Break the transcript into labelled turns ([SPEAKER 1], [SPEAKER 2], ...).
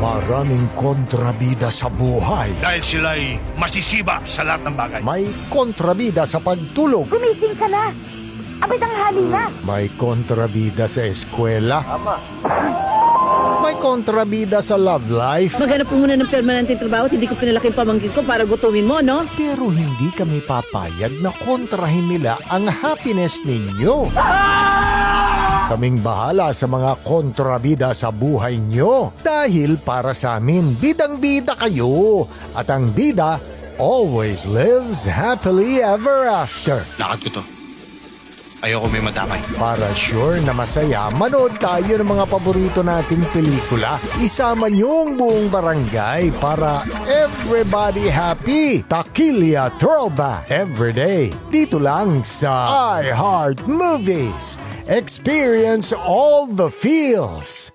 [SPEAKER 1] Maraming kontrabida sa buhay.
[SPEAKER 2] Dahil sila'y masisiba sa lahat ng bagay.
[SPEAKER 1] May kontrabida sa pagtulog.
[SPEAKER 3] Gumising ka na! Abay tanghali na!
[SPEAKER 1] May kontrabida sa eskwela. May kontrabida sa love life.
[SPEAKER 4] Maghanap po muna ng permanenteng trabaho at hindi ko pinalaki yung pamangkin ko para gutumin mo, no?
[SPEAKER 1] Pero hindi kami papayag na kontrahin nila ang happiness ninyo. Kaming bahala sa mga kontrabida sa buhay nyo. Dahil para sa amin, bidang-bida kayo. At ang bida always lives happily ever after.
[SPEAKER 2] Lakad ko to. Ayoko may madamay.
[SPEAKER 1] Para sure na masaya, manood tayo ng mga paborito nating pelikula. Isama niyo ang buong barangay para everybody happy. Takilya Throwback everyday. Dito lang sa iHeart Movies. Experience all the feels.